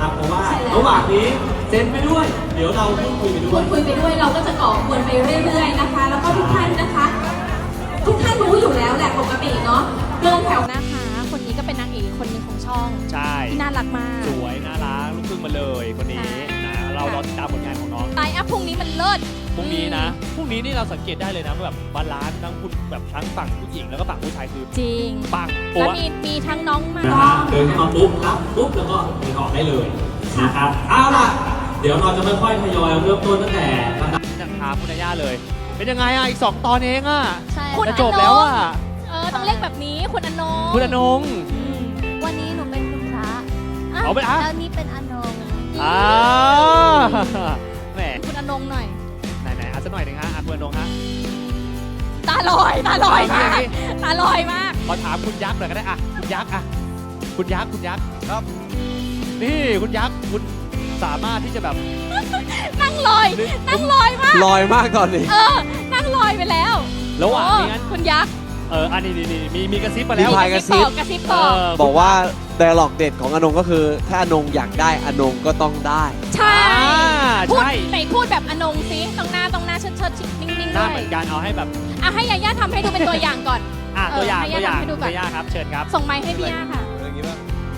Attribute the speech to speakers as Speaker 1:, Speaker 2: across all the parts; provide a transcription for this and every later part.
Speaker 1: เพราะว่าระหว่างนี้เซ็นไปด้วยเดี๋ยวเราพูดคุยไปด้
Speaker 2: พู
Speaker 1: วย
Speaker 2: ดคุยไปด้วยเราก็จะก่อกวนไปเรื่อยๆนะคะ แล้วก็ทุกท่านนะคะ ทุกท่านรู้อยู่แล้วแหละปกติเนาะเดินแถว
Speaker 3: นะคะคนนี้ก็เป็นนางเอกคนหนึ่งของช่อง
Speaker 4: ใช่
Speaker 3: ที่น่ารักมาก
Speaker 4: สวยน่ารักลูกครึ่งมาเลยคนนี้นะเรารอติดตามผลงานของน้อง
Speaker 3: ไลน์อัพพรุ่งนี้มันเลิศ
Speaker 4: พรุ่งนี้นะพรุ่งนี้นี่เราสังเกตได้เลยนะว่าแบบบาลานซ์ทั้งคุณแบบทั้งฝั่งผู้หญิงแล้วก็ฝั่งผู้ชายคือ
Speaker 3: จริง
Speaker 4: ปัง
Speaker 3: แล้ว
Speaker 4: ปัว
Speaker 3: มีทั้งน้องมา
Speaker 1: นะฮะเดินเข้ามาปุ๊บรับปุ๊บแล้วก็เดินออกได้เลยนะครับเอาล่ะเดี๋ยวเราจะค่อยๆทยอยเริ่มต้นตั้งแต่ลำดับ
Speaker 4: จะถามคุณอาย่าเลย เป็นยังไงอ่ะอีก2 ตอนเองอ่ะ
Speaker 5: ใช่
Speaker 3: คุณ
Speaker 4: จะ
Speaker 3: อ
Speaker 4: จบแล้วอ่ะ
Speaker 3: ต้องเรียกแบบนี้คุณอนง
Speaker 4: คุณอนง
Speaker 5: วันนี้หนูเป็นคุณพระ
Speaker 4: เอาเป็นอะ
Speaker 5: แล้วนี่เป็นอนง
Speaker 4: อ่าแหม
Speaker 3: คุณอนงหน่อย
Speaker 4: ไหนๆเอาสักหน่อยหนึงฮะอ่ะคุณอนงฮะ
Speaker 3: ตาลอยมาก
Speaker 4: เอาสิ
Speaker 3: ตาลอยมาก
Speaker 4: ขอถามคุณยักษ์หน่อยก็ได้อ่ะคุณยักษ์อ่ะคุณยักษ์ครับนี่คุณยักษ์คุณสามารถที่จะแบบ
Speaker 3: นั่งลอยมาก
Speaker 6: ลอยมากตอนนี้
Speaker 3: นั่งลอยไปแล้ว
Speaker 4: ระหว่างนี้งั้น
Speaker 3: คุณยักษ์
Speaker 4: อันนี้มีกระซิบมาแล้ว
Speaker 6: มีพาย กระซิบ
Speaker 3: กระซิบบอก
Speaker 6: บอกว่าไดอะล็อกเด็ดของอนงก็คือ ถ้าอนงอยากได้อนงก็ต้องได้
Speaker 3: ใช่ พูด
Speaker 4: ใช่
Speaker 3: ไหนพูดแบบอนงซิตรงหน้าเชิดนิ่งๆ
Speaker 4: หน้า
Speaker 3: ด้
Speaker 4: เห
Speaker 3: ว
Speaker 4: มื
Speaker 3: ย
Speaker 4: อนกันเอาให้แบบ
Speaker 3: อ่ะให้ยาย่าทำให้ดูเป็นตัวอย่างก่อน
Speaker 4: ตัวอย่าง
Speaker 3: ให้
Speaker 4: ตัวอย่าง
Speaker 3: ย่าทำให้ดูก่อน
Speaker 4: ตัวอย่างครับเชิญครับ
Speaker 3: ส่งไม้ให้พี่ย่าค่ะ
Speaker 6: อย่างนี้ป่ะ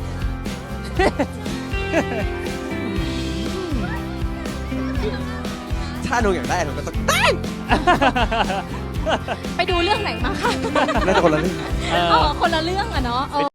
Speaker 6: ถ้าอนงอยากได้อนงก็ต้องได้
Speaker 3: ไปดูเรื่องไหนมาคะ
Speaker 6: น่าจะคนละเรื่อง
Speaker 4: เออ
Speaker 3: คนละเรื่องอะเนาะ